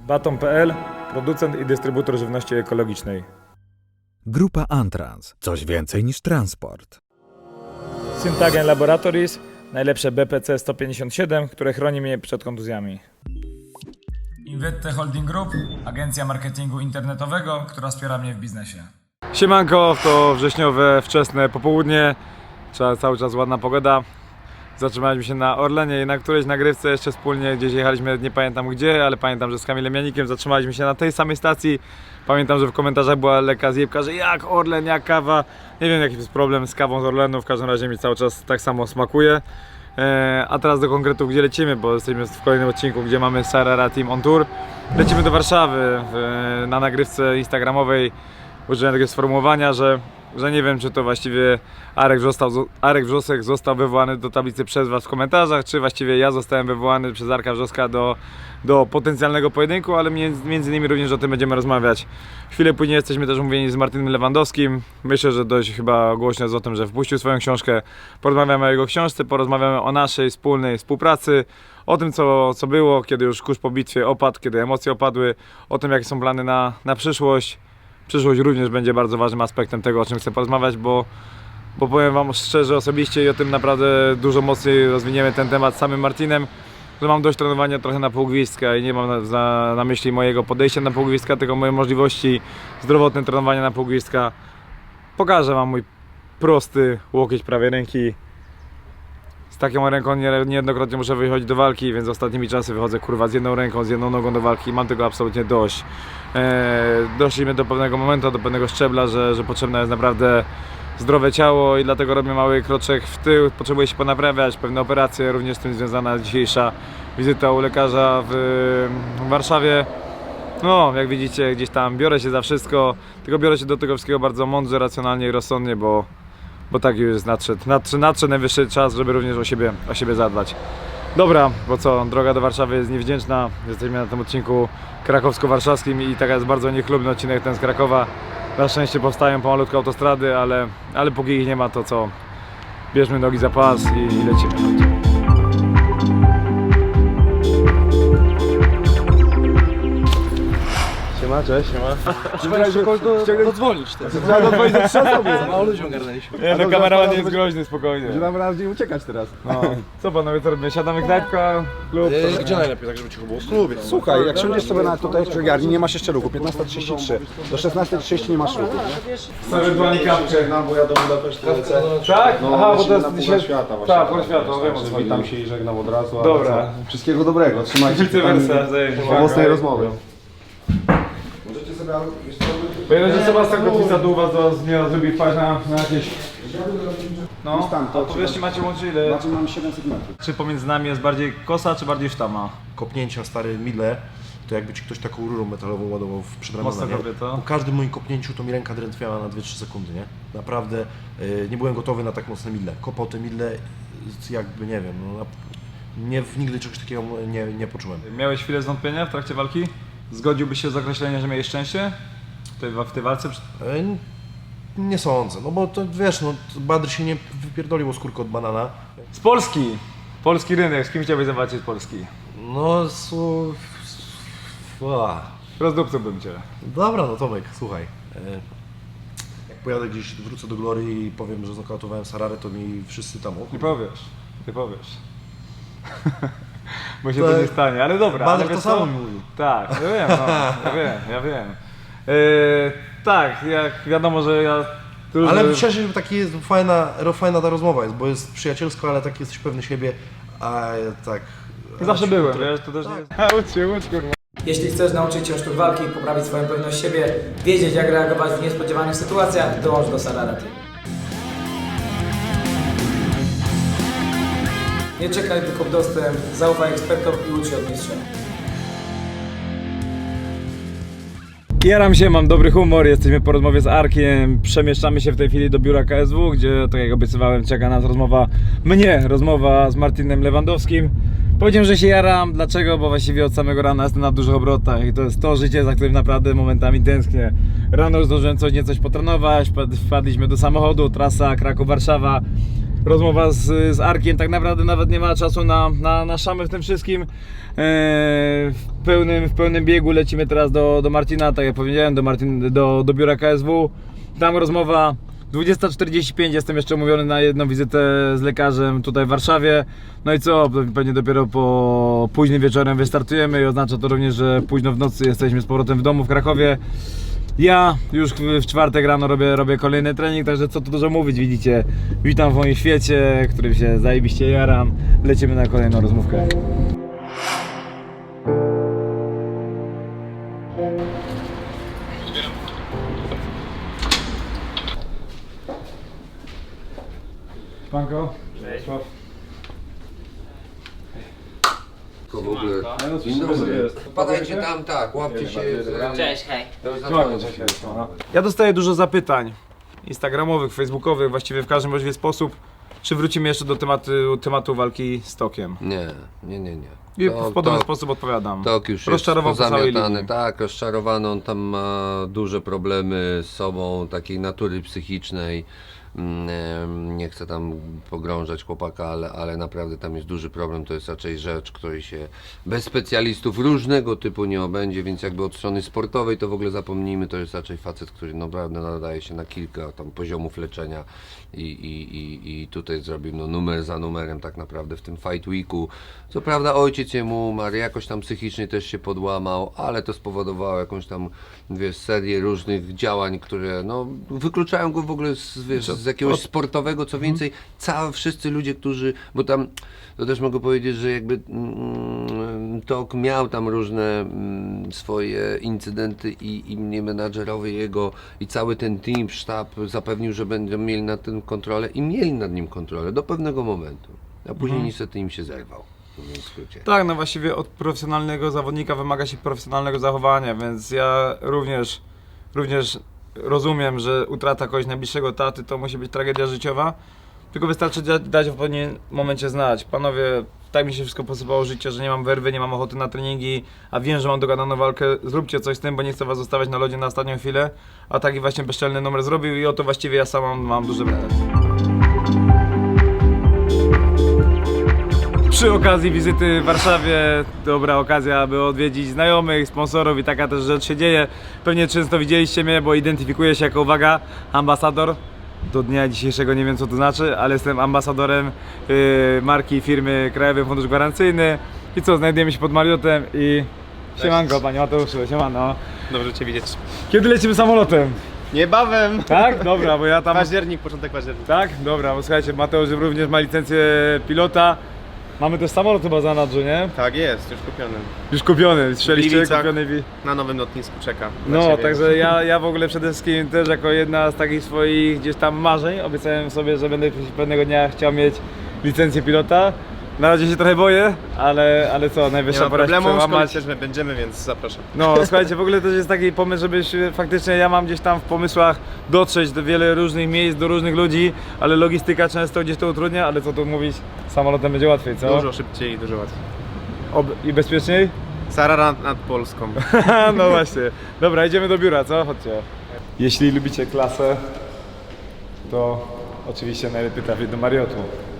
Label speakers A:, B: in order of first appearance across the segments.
A: Baton.pl, producent i dystrybutor żywności ekologicznej.
B: Grupa Antrans. Coś więcej niż transport.
A: Syntagen Laboratories, najlepsze BPC 157, które chroni mnie przed kontuzjami. Invette Holding Group, agencja marketingu internetowego, która wspiera mnie w biznesie. Siemanko, to wrześniowe, wczesne popołudnie, cały czas ładna pogoda. Zatrzymaliśmy się na Orlenie i na którejś nagrywce jeszcze wspólnie gdzieś jechaliśmy, nie pamiętam gdzie, ale pamiętam, że z Kamilem Janikiem zatrzymaliśmy się na tej samej stacji. Pamiętam, że w komentarzach była lekka zjebka, że jak Orlen, jak kawa. Nie wiem jaki jest problem z kawą z Orlenu, w każdym razie mi cały czas tak samo smakuje. A teraz do konkretów, gdzie lecimy, bo jesteśmy w kolejnym odcinku, gdzie mamy Sarara Team on Tour. Lecimy do Warszawy, na nagrywce instagramowej użyłem takiego sformułowania, że nie wiem, czy to właściwie Arek Wrzosek został wywołany do tablicy przez Was w komentarzach, czy właściwie ja zostałem wywołany przez Arka Wrzoska do potencjalnego pojedynku, ale między innymi również o tym będziemy rozmawiać. Chwilę później jesteśmy też umówieni z Martinem Lewandowskim. Myślę, że dość chyba głośno jest o tym, że wpuścił swoją książkę. Porozmawiamy o jego książce, porozmawiamy o naszej wspólnej współpracy, o tym co było, kiedy już kurz po bitwie opadł, kiedy emocje opadły, o tym jakie są plany na przyszłość. Przyszłość również będzie bardzo ważnym aspektem tego, o czym chcę porozmawiać, bo powiem Wam szczerze, osobiście i o tym naprawdę dużo mocniej rozwiniemy ten temat z samym Martinem, że mam dość trenowania trochę na półgwizdka i nie mam na myśli mojego podejścia na półgwizdka, tylko moje możliwości zdrowotne trenowania na półgwizdka. Pokażę Wam mój prosty łokieć prawej ręki. Z taką ręką niejednokrotnie muszę wychodzić do walki, więc ostatnimi czasy wychodzę kurwa z jedną ręką, z jedną nogą do walki i mam tego absolutnie dość. Doszliśmy do pewnego momentu, do pewnego szczebla, że potrzebne jest naprawdę zdrowe ciało i dlatego robię mały kroczek w tył, potrzebuję się ponaprawiać, pewne operacje, również z tym związana dzisiejsza wizyta u lekarza w Warszawie. No, jak widzicie, gdzieś tam biorę się za wszystko, tylko biorę się do tego wszystkiego bardzo mądrze, racjonalnie i rozsądnie, bo tak już nadszedł najwyższy czas, żeby również o siebie zadbać. Dobra, bo co, droga do Warszawy jest niewdzięczna. Jesteśmy na tym odcinku krakowsko-warszawskim i taka jest bardzo niechlubny odcinek ten z Krakowa. Na szczęście powstają pomalutko autostrady, ale póki ich nie ma, to co, bierzmy nogi za pas i lecimy. Siema, cześć, siema.
C: Czekaj, że kogoś dodzwonić teraz.
A: Trzeba dodzwonić ze 3 osoby.
C: Za mało ludzi ogarnęliśmy.
A: Nie, no kameraman jest groźny, spokojnie.
D: Że nam raczej uciekać teraz.
A: No. Co panowie, co robimy? Siadamy knajpka, klub?
C: Gdzie najlepiej, tak żeby cicho było?
D: Słuchaj, jak siądziesz sobie tutaj w księgarni, nie masz jeszcze ruchu, 15:33. Do 16:30 nie masz ruchu.
A: Ewentualnie kapkę.
D: Bo ja do Budapesztu lecę.
A: Tak? Aha, bo to jest
D: na
A: dzisiaj...
D: Puchar Świata właśnie.
A: Tak, Puchar Świata, no wiem o co chodzi.
D: Witam się i żegnam od razu.
A: Dobra.
D: Ale co? Wszystkiego dobrego, trzymajcie się.
A: Vice versa,
D: Owocnej rozmowy.
A: Pojedziecie Sebastian Kotwica do was do zmiana zrobi wpaść na jakieś... No, a powiedzcie macie łączy ile?
D: Znaczy mamy 700 metrów.
A: Czy pomiędzy nami jest bardziej kosa, czy bardziej sztama?
C: Kopnięcia stare mile, to jakby ci ktoś taką rurą metalową ładował w przedramiona,
A: Mocno
C: nie?
A: dobre to.
C: Po każdym moim kopnięciu to mi ręka drętwiała na 2-3 sekundy, nie? Naprawdę nie byłem gotowy na tak mocne mile. Kopał te mile jakby, nie wiem, no, nigdy czegoś takiego nie poczułem.
A: Miałeś chwilę zwątpienia w trakcie walki? Zgodziłbyś się z określeniem, że miałeś szczęście? W tej walce?
C: Nie sądzę, no bo to wiesz, no Badr się nie wypierdolił o skórkę od banana.
A: Z Polski! Polski rynek, z kim chciałbyś zawalczyć z Polski?
C: No,
A: Rozdupcyłbym cię.
C: Dobra, no Tomek, słuchaj. Jak pojadę gdzieś, wrócę do Glory i powiem, że znokautowałem Sararę, to mi wszyscy tam
A: Ty powiesz. Bo się to nie stanie, ale dobra.
C: Badr
A: ale
C: to
A: wiesz
C: samo
A: co?
C: mi mówił.
A: Tak, ja wiem, no, ja wiem. Tak, jak wiadomo, że ja...
C: Ale szczerze, że taki jest fajna ta rozmowa jest, bo jest przyjacielsko, ale tak jesteś pewny siebie, a tak...
A: Zawsze byłem, wiesz, to też nie jest... Łódź, kurwa.
E: Jeśli chcesz nauczyć się sztuk walki, poprawić swoją pewność siebie, wiedzieć jak reagować w niespodziewanych sytuacjach, dołącz do Sarara Team. Nie czekaj tylko w dostęp, zaufaj ekspertom i ucz się od mistrza.
A: Jaram się, mam dobry humor, jesteśmy po rozmowie z Arkiem, przemieszczamy się w tej chwili do biura KSW, gdzie, tak jak obiecywałem, czeka nas rozmowa z Martinem Lewandowskim. Powiedziałem, że się jaram, dlaczego? Bo właściwie od samego rana jestem na dużych obrotach i to jest to życie, za którym naprawdę momentami tęsknię. Rano już zdążyłem coś potrenować, wpadliśmy do samochodu, trasa Kraków-Warszawa. Rozmowa z Arkiem, tak naprawdę nawet nie ma czasu na szamę w tym wszystkim. w pełnym biegu, lecimy teraz do Marcina, tak jak powiedziałem, do biura KSW. Tam rozmowa 20:45, jestem jeszcze umówiony na jedną wizytę z lekarzem tutaj w Warszawie. No i co, pewnie dopiero po późnym wieczorem wystartujemy i oznacza to również, że późno w nocy jesteśmy z powrotem w domu w Krakowie. Ja już w czwartek rano robię kolejny trening, także co tu dużo mówić, widzicie. Witam w moim świecie, którym się zajebiście jaram. Lecimy na kolejną rozmówkę. Panko? Cześć.
F: W ogóle. Dzień dobry. Wpadajcie tam, tak, łapcie się.
G: Cześć, hej.
A: Ja dostaję dużo zapytań instagramowych, facebookowych, właściwie w każdym możliwy sposób. Czy wrócimy jeszcze do tematu walki z Tokiem?
F: Nie.
A: I w podobny sposób odpowiadam.
F: Tok już jest
A: Rozczarował po całej
F: pozamiatany,
A: linii.
F: tak, rozczarowany, on tam ma duże problemy z sobą, takiej natury psychicznej. Nie chcę tam pogrążać chłopaka, ale naprawdę tam jest duży problem, to jest raczej rzecz, której się bez specjalistów różnego typu nie obędzie, więc jakby od strony sportowej to w ogóle zapomnijmy, to jest raczej facet, który naprawdę nadaje się na kilka tam poziomów leczenia i tutaj zrobił numer za numerem tak naprawdę w tym Fight Weeku. Co prawda ojciec jemu umarł, jakoś tam psychicznie też się podłamał, ale to spowodowało jakąś tam, wiesz, serię różnych działań, które no wykluczają go w ogóle z jakiegoś sportowego, co więcej, wszyscy ludzie, którzy, bo tam, to też mogę powiedzieć, że jakby Tok miał tam różne swoje incydenty i mnie menadżerowie jego i cały ten team, sztab zapewnił, że będą mieli nad tym kontrolę i mieli nad nim kontrolę do pewnego momentu, a później niestety im się zerwał. W skrócie.
A: Tak, no właściwie od profesjonalnego zawodnika wymaga się profesjonalnego zachowania, więc ja również rozumiem, że utrata kogoś najbliższego taty to musi być tragedia życiowa, tylko wystarczy dać w pewnym momencie znać. Panowie, tak mi się wszystko posypało życie, że nie mam werwy, nie mam ochoty na treningi, a wiem, że mam dogadaną walkę, zróbcie coś z tym, bo nie chcę was zostawiać na lodzie na ostatnią chwilę, a taki właśnie bezczelny numer zrobił i o to właściwie ja sam mam duże pretensje. Przy okazji wizyty w Warszawie, dobra okazja, aby odwiedzić znajomych, sponsorów i taka też rzecz się dzieje. Pewnie często widzieliście mnie, bo identyfikuję się jako, uwaga, ambasador. Do dnia dzisiejszego nie wiem co to znaczy, ale jestem ambasadorem marki firmy Krajowy Fundusz Gwarancyjny. I co, znajdujemy się pod Marriotem i... Siemanko, panie Mateuszu, siemano.
H: Dobrze Cię widzieć.
A: Kiedy lecimy samolotem?
H: Niebawem!
A: Tak? Dobra, bo ja tam...
H: Październik, początek października.
A: Tak? Dobra, bo słuchajcie, Mateusz również ma licencję pilota. Mamy też samolot chyba za nadrzu, nie?
H: Tak jest, już kupiony.
A: Już kupiony, strzeliście,
H: Gliwicach.
A: kupiony...
H: Na nowym lotnisku czeka. na
A: No,
H: ciebie.
A: także ja w ogóle przede wszystkim też jako jedna z takich swoich gdzieś tam marzeń obiecałem sobie, że będę pewnego dnia chciał mieć licencję pilota. Na razie się trochę boję, ale co,
H: Nie
A: najwyższa
H: ma
A: pora się
H: problemu,
A: przełamać.
H: szkolić też my będziemy, więc zapraszam.
A: No, słuchajcie, w ogóle też jest taki pomysł, żebyś faktycznie, ja mam gdzieś tam w pomysłach dotrzeć do wiele różnych miejsc, do różnych ludzi, ale logistyka często gdzieś to utrudnia, ale co tu mówić, samolotem będzie łatwiej, co?
H: Dużo szybciej i dużo łatwiej.
A: I bezpieczniej?
H: Sara nad Polską.
A: No właśnie. Dobra, idziemy do biura, co? Chodźcie. Jeśli lubicie klasę, to oczywiście najlepiej trafić do Marriotu.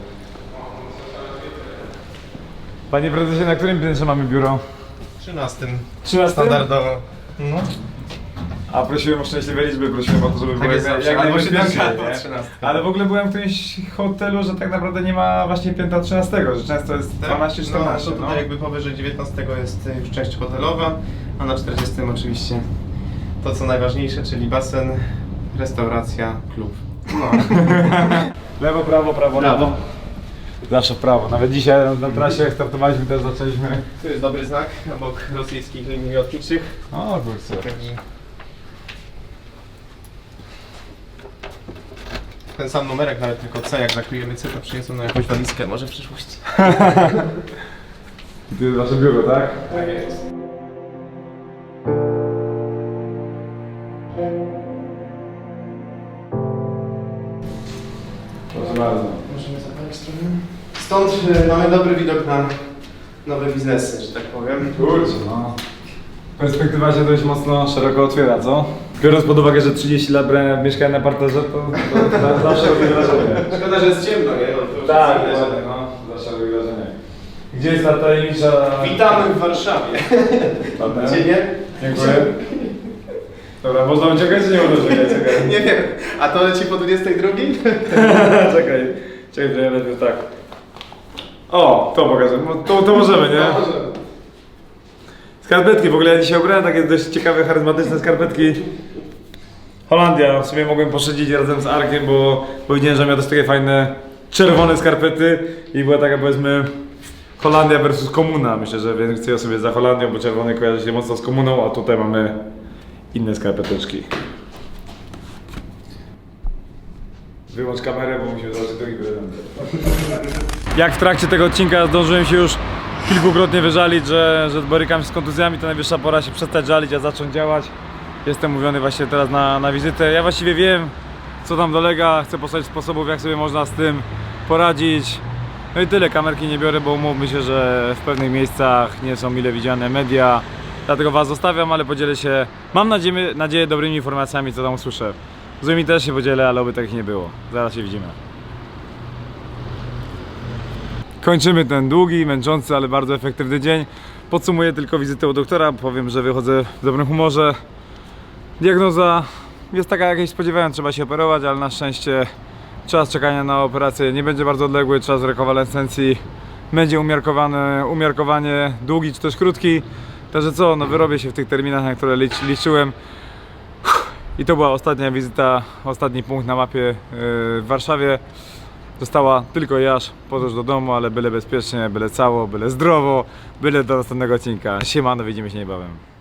A: Panie prezesie, na którym piętrze mamy biuro?
H: 13.
A: 13?
H: Standardowo. No.
A: A prosiłem o szczęśliwe liczby, prosiłem o to, żeby było
H: jest
A: jak
H: zawsze, albo
A: najbezpieczniej,
H: 7,
A: nie?
H: albo 13.
A: Ale w ogóle byłem w którymś hotelu, że tak naprawdę nie ma właśnie piętra 13, że często jest 12-14.
H: No, to tutaj jakby powyżej 19 jest już część hotelowa, a na 40 oczywiście to co najważniejsze, czyli basen, restauracja, klub. No.
A: Lewo, prawo, prawo, lewo. Zawsze w prawo. Nawet dzisiaj na trasie startowaliśmy, też zaczęliśmy.
H: Tu jest dobry znak obok rosyjskich linii lotniczych.
A: O kurczę.
H: Ten sam numerek, nawet tylko C, jak zakryjemy C, to przyniosą na jakąś walizkę, może w przyszłości.
A: I tu jest wasze biuro, tak?
H: Tak jest.
A: Proszę bardzo.
H: Możemy zapalić stronę. Stąd mamy dobry widok na nowe biznesy, że tak powiem.
A: Kurczę, no. Perspektywa się dość mocno szeroko otwiera, co? Biorąc pod uwagę, że 30 lat mieszkałem na parterze, to zawsze robi wrażenie.
H: Szkoda, że jest ciemno, nie? No, to już
A: Tak,
H: jest inne,
A: dokładnie, no. Zawsze robi wrażenie. Gdzie jest ta tajemnicza...
H: Witamy w Warszawie. Gdzie nie?
A: Dziękuję. Dobra, można uciekać czy nie można uciekać? Czekaj.
H: Nie wiem. A to leci po 22?
A: Czekaj, że ja najpierw tak. O, to pokażę. To możemy, nie? Skarpetki, w ogóle ja dzisiaj ubrałem takie dość ciekawe, charyzmatyczne skarpetki. Holandia, w sumie mogłem poszydzić razem z Arkiem, bo powiedziałem, że miał też takie fajne czerwone skarpety i była taka, powiedzmy, Holandia versus komuna. Myślę, że więcej osób jest za Holandią, bo czerwony kojarzy się mocno z komuną, a tutaj mamy inne skarpeteczki. Wyłącz kamerę, bo musimy zobaczyć drugi prezent. Jak w trakcie tego odcinka zdążyłem się już kilkukrotnie wyżalić, że borykam się z kontuzjami, to najwyższa pora się przestać żalić, a zacząć działać. Jestem mówiony właśnie teraz na wizytę. Ja właściwie wiem, co tam dolega, chcę postawić sposobów, jak sobie można z tym poradzić. No i tyle, kamerki nie biorę, bo umówmy się, że w pewnych miejscach nie są mile widziane media. Dlatego was zostawiam, ale podzielę się, mam nadzieję, dobrymi informacjami, co tam usłyszę. Złymi też się podzielę, ale oby takich nie było. Zaraz się widzimy. Kończymy ten długi, męczący, ale bardzo efektywny dzień. Podsumuję tylko wizytę u doktora, powiem, że wychodzę w dobrym humorze. Diagnoza jest taka, jakiej spodziewałem, trzeba się operować, ale na szczęście czas czekania na operację nie będzie bardzo odległy, czas rekonwalescencji będzie umiarkowanie długi czy też krótki. Także co, no wyrobię się w tych terminach, na które liczyłem. I to była ostatnia wizyta, ostatni punkt na mapie w Warszawie. Została tylko jaż, podróż do domu, ale byle bezpiecznie, byle cało, byle zdrowo, byle do następnego odcinka. Siemano, widzimy się niebawem.